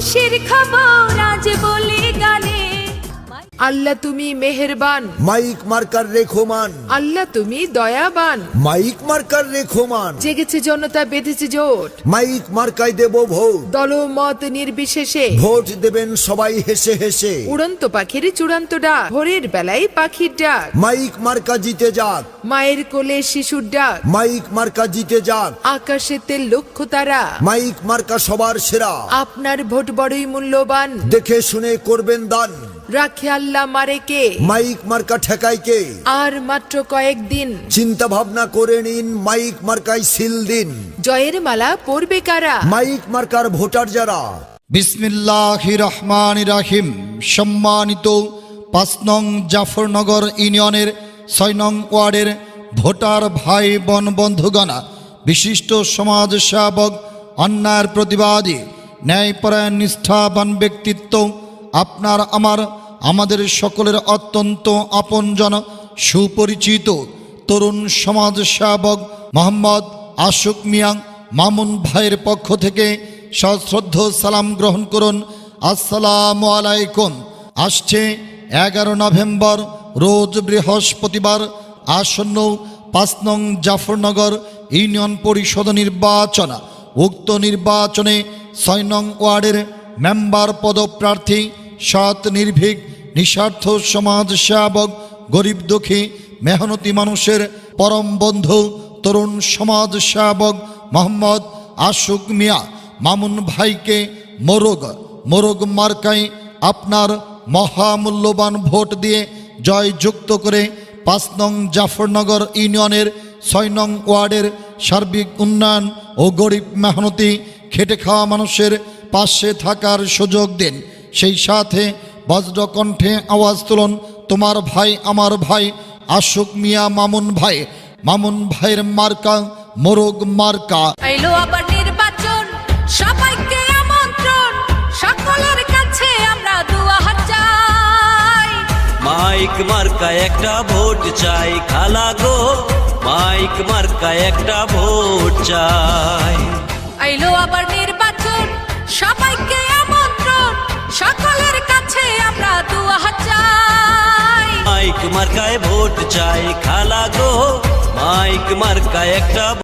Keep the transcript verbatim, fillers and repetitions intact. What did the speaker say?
খুশির খবর আজ বলি গানে। আল্লাহ তুমি মেহেরবান, মাইক মার্কার রেখোমান। আল্লাহ তুমি দয়াবান, মাইক মার্কার রেখোমান। জেগেছে জনতা বেঁধেছে জোট, মাইক মার্কায় দেব ভোট। দলমত নির্বিশেষে ভোট দেবেন সবাই হেসে হেসে। উড়ন্ত পাখির চূড়ান্ত ডাক, ভোরের বেলায় পাখির ডাক। মাইক মার্কা জিতে যাক, মায়ের কোলে শিশুর ডাক, মাইক মার্কা জিতে যাক। আকাশেতে লক্ষ্য তারা, মাইক মার্কা সবার সেরা। আপনার ভোট বড়ই মূল্যবান, দেখে শুনে করবেন দান। রাখে আল্লাহ মারে কে, মাইক মার্কা ঠেকায় কে। আর মাত্র কয়েকদিন, চিন্তা ভাবনা করে নিন, মাইক মার্কায় সিল দিন। জয়ের মালা পরবে কারা, মাইক মার্কার ভোটার যারা। বিসমিল্লাহির রহমানির রহিম। সম্মানিত পাঁচ নং জাফরনগর ইউনিয়নের ছয় নং ওয়ার্ডের ভোটার ভাই বোন বন্ধুগণ, বিশিষ্ট সমাজ সেবক, অন্যায়ের প্রতিবাদী, ন্যায়পরায়ণ নিষ্ঠাবান ব্যক্তিত্ব, আপনার আমার আমাদের সকলের অত্যন্ত আপনজন, সুপরিচিত তরুণ সমাজ সেবক মোহাম্মদ আশুক মিয়া মামুন ভাইয়ের পক্ষ থেকে সশ্রদ্ধ সালাম গ্রহণ করুন। আসসালামু আলাইকুম। আসছে এগারো নভেম্বর রোজ বৃহস্পতিবার আসন্ন পাঁচ নং জাফরনগর ইউনিয়ন পরিষদ নির্বাচন। উক্ত নির্বাচনে ছয় নং ওয়ার্ডের মেম্বার পদপ্রার্থী সৎ নির্ভীক নিঃস্বার্থ সমাজ সেবক, গরিব দুঃখী মেহনতি মানুষের পরম বন্ধু তরুণ সমাজ সেবক মোহাম্মদ আশুক মিয়া মামুন ভাইকে মোরগ মোরগ মার্কায় আপনার মহামূল্যবান ভোট দিয়ে জয়যুক্ত করে পাঁচ নং জাফরনগর ইউনিয়নের ছয় নং ওয়ার্ডের সার্বিক উন্নয়ন ও গরিব মেহনতি খেটে খাওয়া মানুষের পাশে থাকার সুযোগ দিন। সেই সাথে বজ্রকণ্ঠে আওয়াজ তুলুন, তোমার ভাই আমার ভাই আশুক মিয়া মামুন ভাই। মামুন ভাইয়ের মার্কা মোরগ মার্কা। আইলো আবার নির্বাচন, সবাইকে আমন্ত্রণ, সকলের কাছে আমরা দুয়া হাত চাই। মাইক মার্কা একটা ভোট চাই খালা গো, মাইক মার্কা একটা ভোট চাই। আইলো আবার নির্বাচন, সবাইকে আমন্ত্রণ, সকলের কাছে আমরা দুয়া হাত চাই। মাইক মার্কায় ভোট চাই খালা গো, মাইক মার্কা একটা